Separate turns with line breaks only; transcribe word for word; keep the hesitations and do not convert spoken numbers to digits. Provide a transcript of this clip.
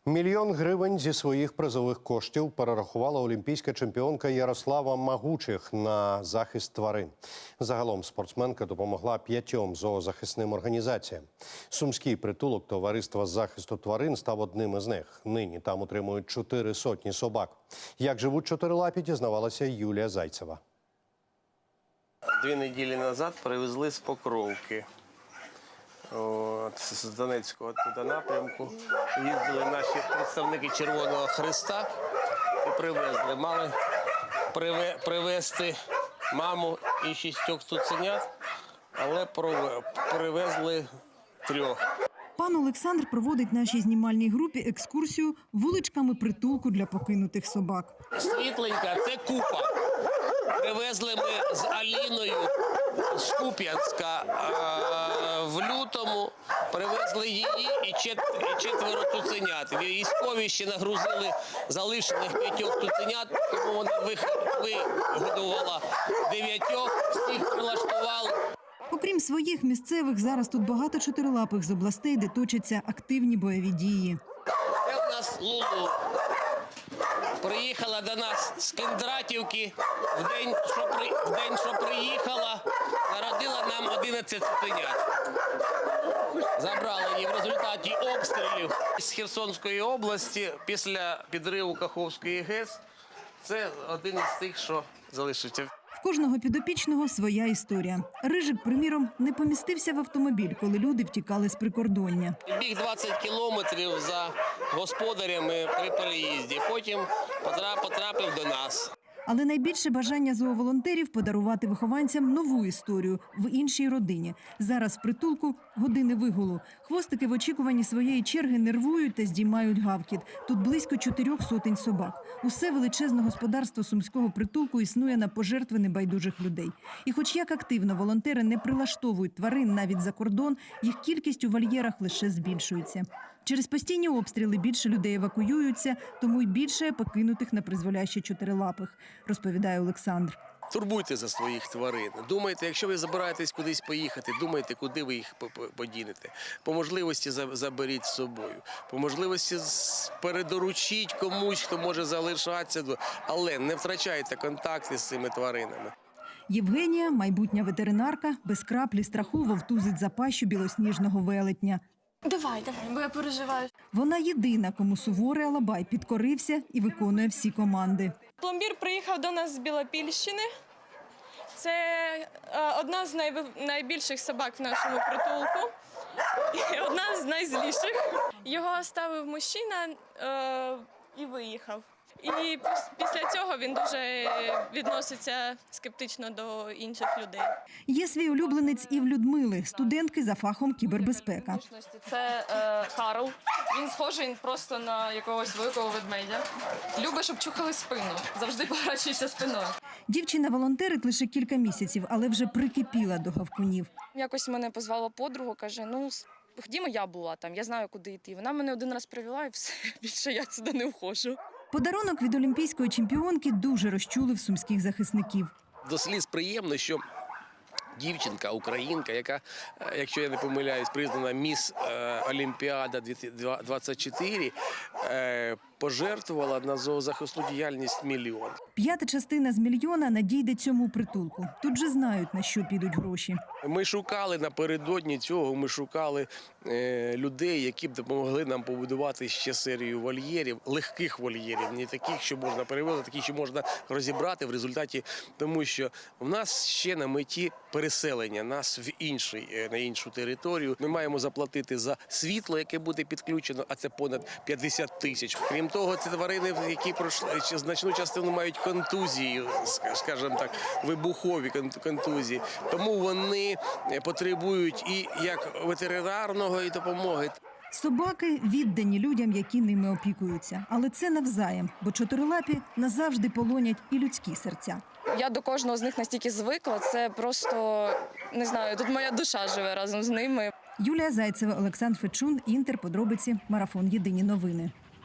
Мільйон гривень зі своїх призових коштів перерахувала олімпійська чемпіонка Ярослава Магучих на захист тварин. Загалом спортсменка допомогла п'ятьом зоозахисним організаціям. Сумський притулок Товариства з захисту тварин став одним із них. Нині там утримують чотири сотні собак. Як живуть чотирилапі, дізнавалася Юлія Зайцева.
Дві неділі назад привезли з Покровки. От, з Донецького туди напрямку. Їздили наші представники Червоного Хреста і привезли. Мали приве, привезти маму і шістьох цуценят, але привезли трьох.
Пан Олександр проводить нашій знімальній групі екскурсію вуличками притулку для покинутих собак.
Світленька – це Купа. Привезли ми з Аліною з Куп'янська в лютому, привезли її і четверо цуценят. Військові ще нагрузили залишених п'ятьох цуценят, тому вона вигодувала дев'ятьох, всіх прилаштували.
Окрім своїх місцевих, зараз тут багато чотирилапих з областей, де точаться активні бойові дії.
Це у нас Лулу. Приїхала до нас з Кіндратівки, в день, що, при, в день, що приїхала, народила нам одинадцять цуценят. Забрали її в результаті обстрілів з Херсонської області після підриву Каховської ГЕС. Це один із тих, що залишився.
В кожного підопічного своя історія. Рижик, приміром, не помістився в автомобіль, коли люди втікали з прикордоння.
Біг двадцять кілометрів за господарями при переїзді, потім потрапив до нас.
Але найбільше бажання зооволонтерів – подарувати вихованцям нову історію в іншій родині. Зараз в притулку години вигулу. Хвостики в очікуванні своєї черги нервують та здіймають гавкіт. Тут близько чотирьох сотень собак. Усе величезне господарство сумського притулку існує на пожертви небайдужих людей. І хоч як активно волонтери не прилаштовують тварин навіть за кордон, їх кількість у вольєрах лише збільшується. Через постійні обстріли більше людей евакуюються, тому й більше покинутих на призволяще чотирилапих, розповідає Олександр.
Турбуйте за своїх тварин. Думайте, якщо ви збираєтесь кудись поїхати, думайте, куди ви їх подінете. По можливості заберіть з собою. По можливості передоручіть комусь, хто може залишатися, але не втрачайте контакти з цими тваринами.
Євгенія, майбутня ветеринарка, без краплі страху вовтузить за пащу білосніжного велетня.
Давай, давай, бо я переживаю.
Вона єдина, кому суворий Алабай підкорився і виконує всі команди.
Пломбір приїхав до нас з Білопільщини. Це е, одна з най... найбільших собак в нашому притулку. І одна з найзліших. Його оставив мужчина е, і виїхав. І після цього він дуже відноситься скептично до інших людей.
Є свій улюбленець і в Людмили, студентки за фахом кібербезпека.
Це е, Карл. Він схожий просто на якогось великого ведмедя. Любить, щоб чухали спину. Завжди поворачується спиною.
Дівчина волонтерить лише кілька місяців, але вже прикипіла до гавкунів.
Якось мене позвала подруга, каже, ну, ходімо, я була там, я знаю, куди йти. Вона мене один раз привела і все, більше я сюди не входжу.
Подарунок від олімпійської чемпіонки дуже розчулив сумських захисників.
До сліз приємно, що дівчинка, українка, яка, якщо я не помиляюсь, признана міс Олімпіада двадцять чотири, пожертвувала на зоозахисну діяльність мільйон.
П'ята частина з мільйона надійде цьому притулку. Тут же знають, на що підуть гроші.
Ми шукали напередодні цього, ми шукали е, людей, які б допомогли нам побудувати ще серію вольєрів, легких вольєрів, не таких, що можна перевозити, такі, що можна розібрати в результаті, тому що в нас ще на меті переселення нас в інший, на іншу територію. Ми маємо заплатити за світло, яке буде підключено, а це понад п'ятдесят тисяч. Крім того, це тварини, які пройшли значну частину мають контузії, скажімо так, вибухові контузії. Тому вони потребують і як ветеринарного і допомоги.
Собаки віддані людям, які ними опікуються. Але це навзаєм, бо чотирилапі назавжди полонять і людські серця.
Я до кожного з них настільки звикла, це просто, не знаю, тут моя душа живе разом з ними.
Юлія Зайцева, Олександр Фечун, Інтер, подробиці, Марафон. Єдині новини.